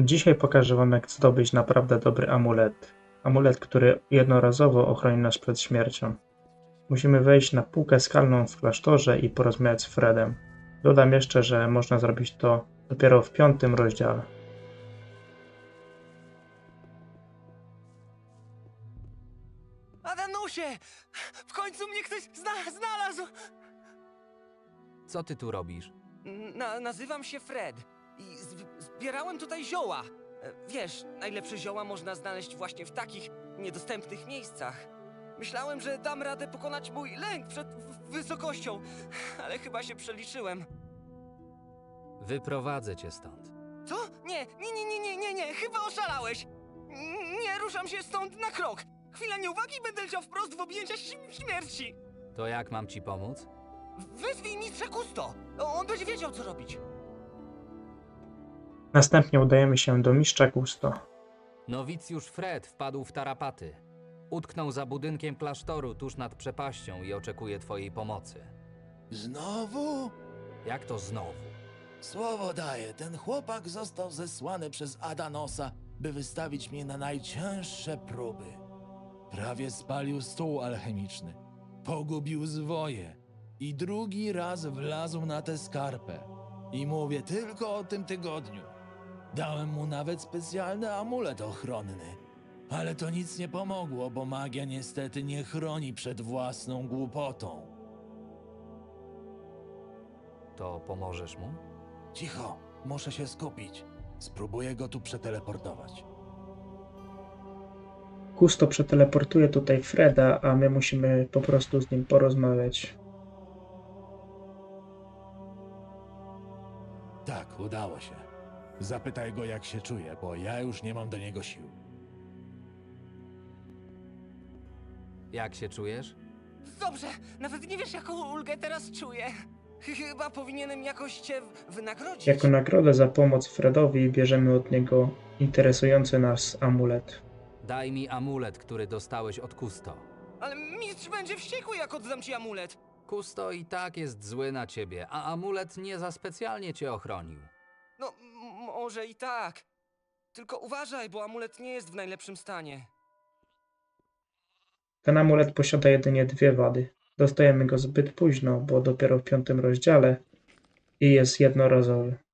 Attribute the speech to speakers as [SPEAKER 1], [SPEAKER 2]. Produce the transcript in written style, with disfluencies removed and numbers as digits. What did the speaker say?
[SPEAKER 1] Dzisiaj pokażę wam, jak zdobyć naprawdę dobry amulet. Amulet, który jednorazowo ochroni nas przed śmiercią. Musimy wejść na półkę skalną w klasztorze i porozmawiać z Fredem. Dodam jeszcze, że można zrobić to dopiero w 5. rozdziale.
[SPEAKER 2] Adanusie! W końcu mnie ktoś znalazł!
[SPEAKER 3] Co ty tu robisz?
[SPEAKER 2] Nazywam się Fred i zbierałem tutaj zioła. Wiesz, najlepsze zioła można znaleźć właśnie w takich niedostępnych miejscach. Myślałem, że dam radę pokonać mój lęk przed wysokością, ale chyba się przeliczyłem.
[SPEAKER 3] Wyprowadzę cię stąd.
[SPEAKER 2] Co? Nie, chyba oszalałeś! Nie ruszam się stąd na krok! Chwila nieuwagi, będę leciał wprost w objęcia śmierci!
[SPEAKER 3] To jak mam ci pomóc?
[SPEAKER 2] Wezwij mistrza Kusto! On będzie wiedział, co robić.
[SPEAKER 1] Następnie udajemy się do mistrza Gusto.
[SPEAKER 3] Nowicjusz Fred wpadł w tarapaty. Utknął za budynkiem klasztoru tuż nad przepaścią i oczekuje twojej pomocy.
[SPEAKER 4] Znowu?
[SPEAKER 3] Jak to znowu?
[SPEAKER 4] Słowo daję, ten chłopak został zesłany przez Adanosa, by wystawić mnie na najcięższe próby. Prawie spalił stół alchemiczny, pogubił zwoje i drugi raz wlazł na tę skarpę. I mówię tylko o tym tygodniu. Dałem mu nawet specjalny amulet ochronny. Ale to nic nie pomogło, bo magia niestety nie chroni przed własną głupotą.
[SPEAKER 3] To pomożesz mu?
[SPEAKER 4] Cicho, muszę się skupić. Spróbuję go tu przeteleportować.
[SPEAKER 1] Gusto przeteleportuje tutaj Freda, a my musimy po prostu z nim porozmawiać.
[SPEAKER 4] Tak, udało się. Zapytaj go, jak się czuje, bo ja już nie mam do niego sił.
[SPEAKER 3] Jak się czujesz?
[SPEAKER 2] Dobrze, nawet nie wiesz, jaką ulgę teraz czuję. Chyba powinienem jakoś cię wynagrodzić.
[SPEAKER 1] Jako nagrodę za pomoc Fredowi bierzemy od niego interesujący nas amulet.
[SPEAKER 3] Daj mi amulet, który dostałeś od Kusto.
[SPEAKER 2] Ale mistrz będzie wściekły, jak oddam ci amulet.
[SPEAKER 3] Kusto i tak jest zły na ciebie, a amulet nie za specjalnie cię ochronił.
[SPEAKER 2] No, może i tak. Tylko uważaj, bo amulet nie jest w najlepszym stanie.
[SPEAKER 1] Ten amulet posiada jedynie 2 wady. Dostajemy go zbyt późno, bo dopiero w 5. rozdziale i jest jednorazowy.